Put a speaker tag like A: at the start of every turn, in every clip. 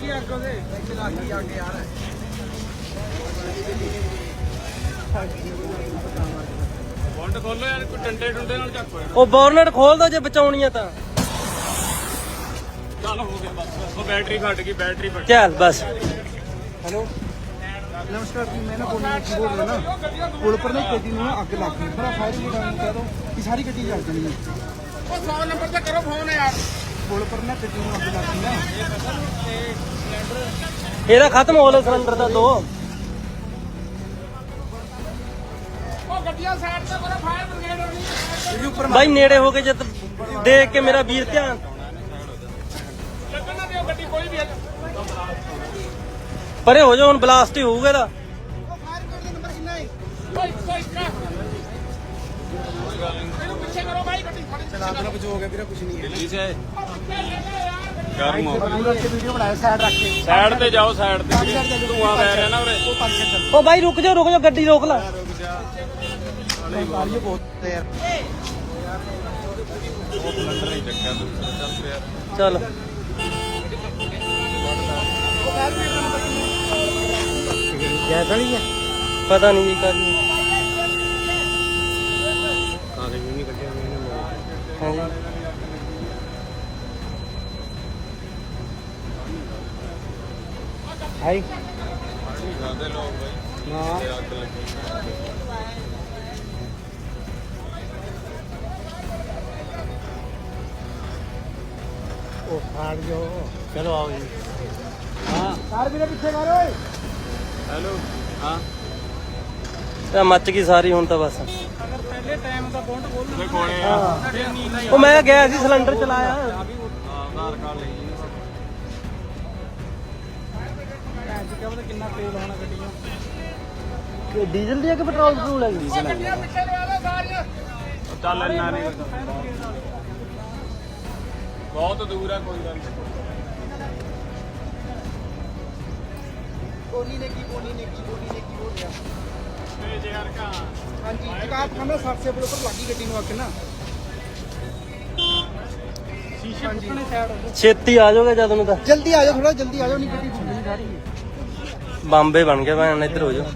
A: Bolt ਖੋਲੋ ਯਾਰ, ਕੋਈ ਡੰਡੇ ਡੁੰਡੇ ਨਾਲ ਚੱਕੋ।
B: ਉਹ ਬੋਰਨਟ ਖੋਲ ਦੋ ਜੇ ਬਚਾਉਣੀ ਆ ਤਾਂ।
A: ਚੱਲ ਹੋ ਗਿਆ ਬਸ, ਉਹ ਬੈਟਰੀ ਫਟ ਗਈ, ਬੈਟਰੀ ਫਟ
B: ਚੱਲ ਬਸ।
C: हेलो नमस्कार जी, मैं ना बोल रहा ना पुल पर ना गड्डी में अग लग गई। बड़ा फायर ब्रिगेड कह दो कि सारी गड्डी जल जानी है।
A: 100 नंबर ਤੇ ਕਰੋ ਫੋਨ ਯਾਰ।
C: पुल पर ना गड्डी में अग लग गई ना।
B: ਇਹਦਾ ਖਤਮ ਹੋ ਲਿਆ ਸਿਲੰਡਰ ਦਾ ਦੋ।
A: ਉਹ ਗੱਡੀਆਂ ਸਾਈਡ ਤੇ ਕਰੋ, ਫਾਇਰ ਬ੍ਰਿਗੇਡ ਆਉਣੀ ਹੈ।
B: ਬਾਈ ਨੇੜੇ ਹੋ ਕੇ ਜਦ ਦੇਖ ਕੇ ਮੇਰਾ ਵੀਰ ਧਿਆਨ
A: ਲੱਗਣ ਨਾ ਦਿਓ ਗੱਡੀ ਕੋਈ ਵੀ ਹੈ।
B: ਪਰੇ ਹੋ ਜਾ, ਹੁਣ ਬਲਾਸਟ ਹੀ ਹੋਊਗਾ ਇਹਦਾ।
A: ਇਹਨੂੰ ਪਿੱਛੇ ਕਰੋ ਬਾਈ, ਗੱਡੀ ਫੜੀ।
C: चला देना कुछ हो गया फिर कुछ नहीं है।
A: ਦਿੱਲੀ ਸੇ ਗਰਮ ਹੋ
C: पूरा के वीडियो बनाया साइड रख के।
A: ਸਾਈਡ ਤੇ ਜਾਓ, ਸਾਈਡ ਤੇ ਧੂਆਂ ਪੈ ਰਿਹਾ ਨਾ ਉਰੇ।
C: वो पानी के अंदर
B: ਉਹ ਬਾਈ ਰੁਕ ਜਾ ਗੱਡੀ ਰੋਕ ਲੈ।
C: ये बहुत है यार।
A: ਉਹ ਸਿਲੰਡਰ ਨਹੀਂ ਚੱਕਿਆ ਤੂੰ, ਚੱਲ ਯਾਰ।
B: ਚੱਲ
C: गैस वाली है।
B: ਪਤਾ ਨਹੀਂ ਜੀ ਕਰਨੀ।
C: कागज भी नहीं कटे मैंने।
B: ਹਾਂਜੀ
C: हाय
A: ਜਾਂਦੇ ਲੋਕ ਬਾਈ,
C: हां
A: ਤੇ ਅੱਗ ਲੱਗੀ।
C: ओ फाड़ जो। चलो आओ जी। हां कार भी पीछे मारो।
A: ਹੈਲੋ, ਹਾਂ
B: ਇਹ ਮੱਚ ਗਈ ਸਾਰੀ ਹੁਣ ਤਾਂ ਬਸ।
A: ਉਹਦੇ ਕੋਲੇ ਆ।
B: ਉਹ ਮੈਂ ਗਿਆ ਸੀ ਸਿਲੰਡਰ ਚਲਾਇਆ।
A: ਆਧਾਰ ਕਾਰਡ ਲਈ
C: कितना तेल होना गड्डी में।
B: ਡੀਜ਼ਲ ਦੀ ਹੈ ਕਿ ਪੈਟਰੋਲ ਪਟਰੋਲ ਹੈ?
A: ਗੱਡੀਆਂ ਪਿੱਛੇ ਲਵਾ ਲਓ ਸਾਰੀਆਂ। ਚੱਲ ਇੰਨਾ ਨਹੀਂ, ਬਹੁਤ ਦੂਰ ਆ, ਕੋਈ ਗੱਲ ਨਹੀਂ।
C: कोनी ने की बोल गया।
A: तेज यार का
C: हाँ जी आप खाना 60 से ऊपर लगी गड्डी में आके ना। शीशे पुटने साइड हो।
B: ਛੇਤੀ ਆ ਜਾਓਗੇ ਜਦ ਨੂੰ ਤਾਂ।
C: जल्दी आ जाओ, थोड़ा जल्दी आ जाओ, नहीं गड्डी घूमने जा रही है।
B: ਬੰਬੇ ਬਣ ਗਿਆ ਭੈਣ, ਇੱਧਰ ਹੋ ਜਾਓ।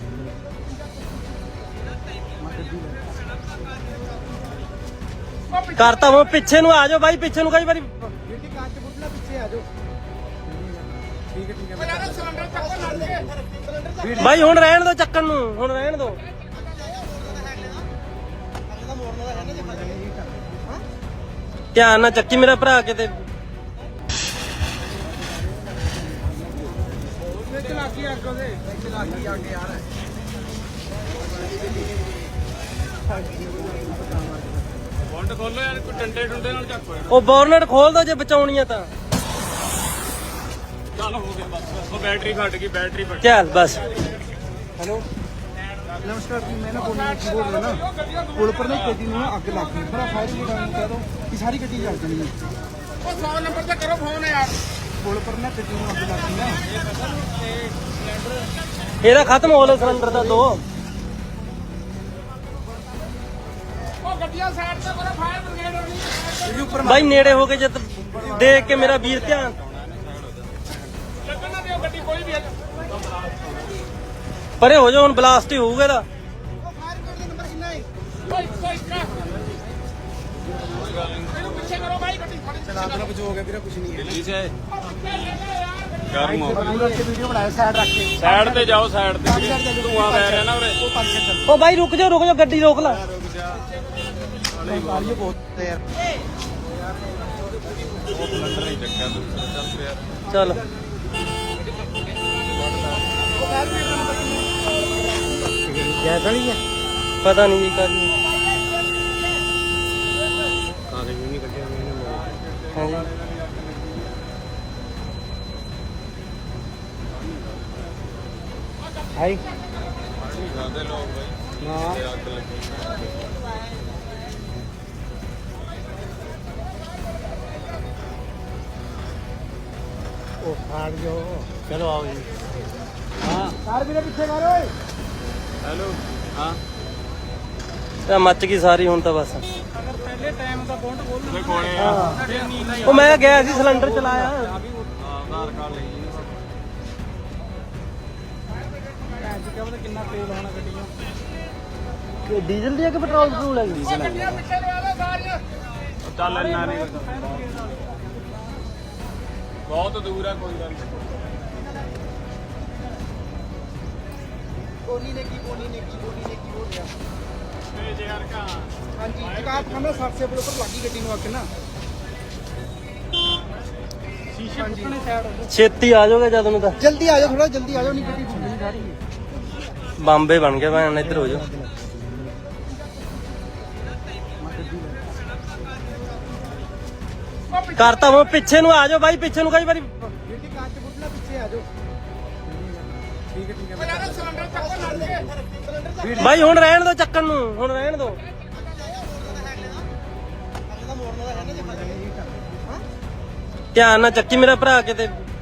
B: ਕਰਤਾ ਉਹ ਪਿੱਛੇ ਨੂੰ ਆ ਜਾਓ ਬਾਈ, ਪਿੱਛੇ ਨੂੰ ਕਈ ਵਾਰੀ।
C: गड्डी कांच फुटना, पीछे आ जाओ। ठीक है
A: ਯਾਰ ਸਿਲੰਡਰ ਚੱਕੋ ਲੱਗ ਗਏ।
B: ਬਾਈ ਹੁਣ ਰਹਿਣ ਦੋ ਚੱਕਣ ਨੂੰ, ਹੁਣ ਰਹਿਣ ਦੋ। ਧਿਆਨ ਨਾਲ ਚੱਕੀ ਮੇਰਾ ਭਰਾ ਕਿਤੇ।
C: चलाकी आग यार।
A: ਬੋਲਟ ਖੋਲੋ ਯਾਰ, ਕੋਈ ਡੰਡੇ ਡੁੰਡੇ ਨਾਲ ਚੱਕੋ।
B: ਉਹ ਬੋਰਨਟ ਖੋਲ ਦੋ ਜੇ ਬਚਾਉਣੀ ਆ ਤਾਂ।
A: ਚੱਲ ਹੋ ਗਿਆ ਬਸ, ਉਹ ਬੈਟਰੀ ਫਟ ਗਈ, ਬੈਟਰੀ ਫਟ
B: ਚੱਲ ਬਸ।
C: हेलो नमस्कार जी, मैं ना बोल रहा ना पुल पर ना गड्डी में अग लग गई। बड़ा फायर ब्रिगेड कह दो कि सारी गड्डी जल जानी है।
A: ਉਹ 100 नंबर ਤੇ ਕਰੋ ਫੋਨ ਯਾਰ।
C: पुल पर ना गड्डी में अग लग गई ना।
B: ਇਹਦਾ ਖਤਮ ਹੋ ਲਿਆ ਸਿਲੰਡਰ ਦਾ ਦੋ।
A: ਉਹ ਗੱਡੀਆਂ ਸਾਈਡ ਤੇ ਕਰੋ, ਫਾਇਰ ਬ੍ਰਿਗੇਡ ਆਉਣੀ ਹੈ।
B: ਬਾਈ ਨੇੜੇ ਹੋ ਕੇ ਜਦ ਦੇਖ ਕੇ ਮੇਰਾ ਵੀਰ ਧਿਆਨ
A: ਲੱਗਣ ਨਾ ਦਿਓ ਗੱਡੀ ਕੋਈ ਵੀ ਹੈ।
B: ਪਰੇ ਹੋ ਜਾ, ਹੁਣ ਬਲਾਸਟ ਹੀ ਹੋਊਗਾ ਇਹਦਾ।
A: ਇਹਨੂੰ ਪਿੱਛੇ ਕਰੋ ਬਾਈ, ਗੱਡੀ ਫੜੀ।
C: चला देना कुछ हो गया फिर कुछ नहीं है।
A: ਦਿੱਲੀ ਸੇ ਗਰਮ ਹੋ
C: पूरा के वीडियो बनाया साइड रख के।
A: ਸਾਈਡ ਤੇ ਜਾਓ, ਸਾਈਡ ਤੇ ਧੂਆਂ ਪੈ ਰਿਹਾ ਨਾ ਉਰੇ।
C: वो पानी के अंदर
B: ਉਹ ਬਾਈ ਰੁਕ ਜਾ ਗੱਡੀ ਰੋਕ ਲੈ।
C: ये बहुत है यार।
A: ਉਹ ਸਿਲੰਡਰ ਨਹੀਂ ਚੱਕਿਆ ਤੂੰ, ਚੱਲ ਯਾਰ।
B: ਚੱਲ
C: गैस वाली है।
B: ਪਤਾ ਨਹੀਂ ਜੀ ਕਰਨੀ।
C: कागज भी नहीं कटे मैंने।
B: ਹਾਂਜੀ
C: हाय
A: ਜਾਂਦੇ ਲੋਕ ਬਾਈ,
C: हां
A: ਤੇ ਅੱਗ ਲੱਗੀ।
C: ओ फाड़ जो। चलो आओ जी। हां कार भी पीछे मारो।
A: ਹੈਲੋ, ਹਾਂ
B: ਇਹ ਮੱਚ ਗਈ ਸਾਰੀ ਹੁਣ ਤਾਂ ਬਸ।
A: ਉਹਦੇ ਕੋਲੇ ਆ।
B: ਉਹ ਮੈਂ ਗਿਆ ਸੀ ਸਿਲੰਡਰ ਚਲਾਇਆ।
A: ਆਧਾਰ ਕਾਰਡ ਲਈ
C: ਕਿਆ ਪਤਾ ਕਿੰਨਾ ਤੇਲ ਹੋਣਾ ਗੱਡੀਆਂ।
B: ਡੀਜ਼ਲ ਦੀ ਹੈ ਕਿ ਪੈਟਰੋਲ ਹੈ?
A: ਉਹ ਗੱਡੀਆਂ ਪਿੱਛੇ ਲਵਾ ਲਓ ਸਾਰੀਆਂ।
D: ਚੱਲ ਇੰਨਾ ਨਹੀਂ ਬਹੁਤ ਦੂਰ ਆ ਕੋਈ ਗੱਲ ਨਹੀਂ।
C: ਕੋਨੀ ਨੇ ਕੀ ਬੋਲ ਰਿਹਾ।
D: ਤੇ ਯਾਰ ਕਾ
C: ਹਾਂਜੀ ਜਗਾਤ ਖਾਨਾ ਸਰਸੇ ਪੁਲ ਉੱਪਰ ਲੱਗੀ ਗੱਡੀ ਨੂੰ ਅੱਗ ਨਾ। ਸ਼ੀਸ਼ੇ ਪੁੱਟਣੇ ਸਾਈਡ।
B: ਛੇਤੀ ਆ ਜਾਓਗੇ ਜਦ ਨੂੰ ਤਾਂ
C: ਜਲਦੀ ਆ ਜਾਓ, ਥੋੜਾ ਜਲਦੀ ਆ ਜਾਓ, ਨਹੀਂ ਗੱਡੀ ਘੁੰਮਣੀ ਜਾ ਰਹੀ ਹੈ।
B: ਬੰਬੇ ਬਣ ਗਿਆ ਭਾਣ, ਇੱਧਰ ਹੋ ਜਾਓ। ਕਰਤਾ ਉਹ ਪਿੱਛੇ ਨੂੰ ਆ ਜਾਓ ਬਾਈ, ਪਿੱਛੇ ਨੂੰ ਕਈ ਵਾਰੀ
C: ਗੱਡੀ ਕਾਂਚ ਪੁੱਟਣਾ, ਪਿੱਛੇ ਆ ਜਾਓ। ਠੀਕ ਹੈ
A: ਉਹ ਯਾਰ ਸਿਲੰਡਰ ਚੱਕੋ ਲੜ ਕੇ।
B: ਬਾਈ ਹੁਣ ਰਹਿਣ ਦੋ ਚੱਕਣ ਨੂੰ, ਹੁਣ ਰਹਿਣ ਦੋ। ਧਿਆਨ ਨਾਲ ਚੱਕੀ ਮੇਰਾ ਭਰਾ ਕਿਤੇ